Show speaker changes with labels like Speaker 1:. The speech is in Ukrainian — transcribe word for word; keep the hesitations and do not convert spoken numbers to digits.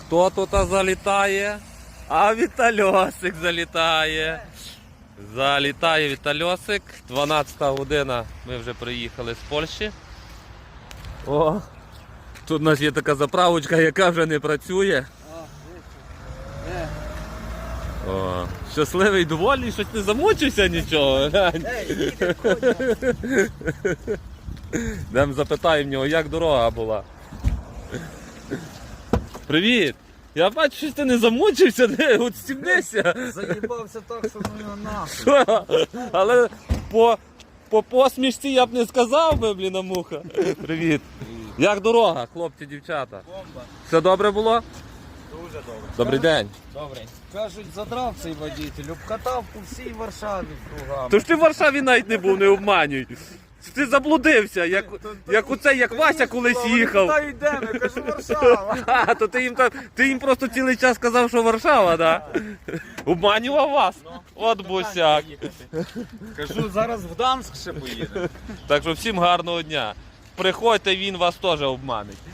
Speaker 1: Хто тут залітає? А Вітальосик залітає. Залітає Вітальосик. дванадцята година. Ми вже приїхали з Польщі. О, тут у нас є така заправочка, яка вже не працює. О, щасливий, довольний, щось не замучився нічого. Йдемо запитаємо в нього, як дорога була. Привіт! Я бачу, що ти не замучився, не відстібнися.
Speaker 2: Заїбався так, що ну його нахуй.
Speaker 1: Але по, по посмішці я б не сказав би, блін, муха. Привіт. Як дорога, хлопці, дівчата?
Speaker 2: Бомба.
Speaker 1: Все добре було?
Speaker 2: Дуже добре.
Speaker 1: Добрий день.
Speaker 2: Добре. Кажуть, задрав цей водитель, обкатав по всій Варшаві кругами.
Speaker 1: Тож ти в Варшаві навіть не був, не обманюй. Ти заблудився, як, як оце, як Вася колись їхав.
Speaker 2: Куди йдемо? Я кажу, Варшава.
Speaker 1: А, то ти їм, та- ти їм просто цілий час сказав, що Варшава, так? Да? Обманював вас? От босяк.
Speaker 2: Кажу, зараз в Дамск ще поїдемо.
Speaker 1: Так що всім гарного дня. Приходьте, він вас теж обманить.